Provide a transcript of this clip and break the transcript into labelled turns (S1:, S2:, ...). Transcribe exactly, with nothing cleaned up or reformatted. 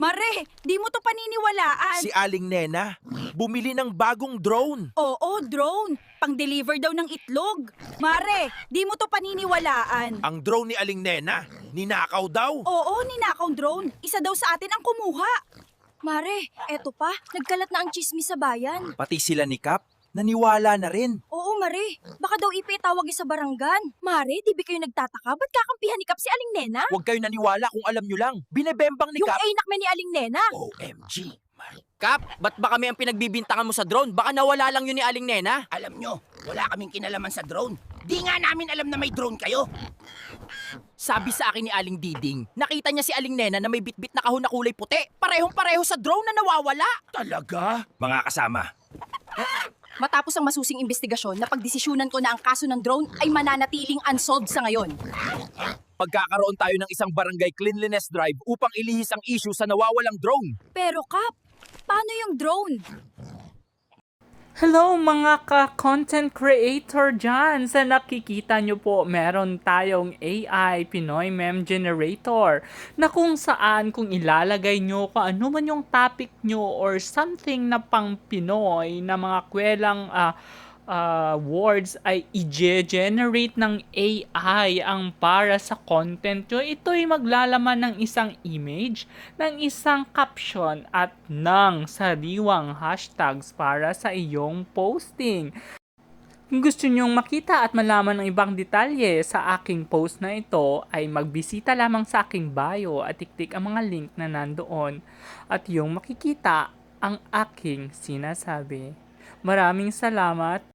S1: Mare, di mo to paniniwalaan.
S2: Si Aling Nena, bumili ng bagong drone.
S1: Oo, drone. Pang-deliver daw ng itlog. Mare, di mo to paniniwalaan.
S2: Ang drone ni Aling Nena, ninakaw daw.
S1: Oo, ninakaw drone. Isa daw sa atin ang kumuha.
S3: Mare, eto pa, nagkalat na ang chismis sa bayan.
S4: Pati sila ni Kap, naniwala na rin.
S3: Oo, Mare, baka daw ipitawag sa barangan. Mare, di ba kayo nagtataka? Ba't kakampihan ni Kap si Aling Nena?
S4: Huwag kayo naniwala kung alam nyo lang. Binebembang ni
S3: Yung
S4: Kap.
S3: ainak man ni Aling Nena.
S2: O M G.
S5: Kap, ba't ba kami ang pinagbibintangan mo sa drone? Baka nawala lang yun ni Aling Nena.
S6: Alam nyo, wala kaming kinalaman sa drone. Di nga namin alam na may drone kayo.
S5: Sabi sa akin ni Aling Diding, nakita niya si Aling Nena na may bitbit na kahon na kulay puti. Parehong-pareho sa drone na nawawala.
S2: Talaga?
S4: Mga kasama,
S3: Matapos ang masusing investigasyon, napagdesisyunan ko na ang kaso ng drone ay mananatiling unsolved sa ngayon.
S4: pagkakaroon tayo ng isang barangay cleanliness drive upang ilihis ang issue sa nawawalang drone.
S3: Pero Kap, paano yung drone?
S7: Hello mga ka-content creator dyan! Sa nakikita nyo po, meron tayong A I, Pinoy Meme Generator, na kung saan kung ilalagay nyo kung ano man yung topic nyo or something na pang Pinoy na mga kwelang uh, uh, words ay i-generate ng A I ang para sa content nyo. Ito'y maglalaman ng isang image, ng isang caption at ng sariwang hashtags para sa iyong posting. Kung gusto nyong makita at malaman ng ibang detalye sa aking post na ito, ay magbisita lamang sa aking bio at tiktik ang mga link na nandoon at yung makikita ang aking sinasabi. Maraming salamat.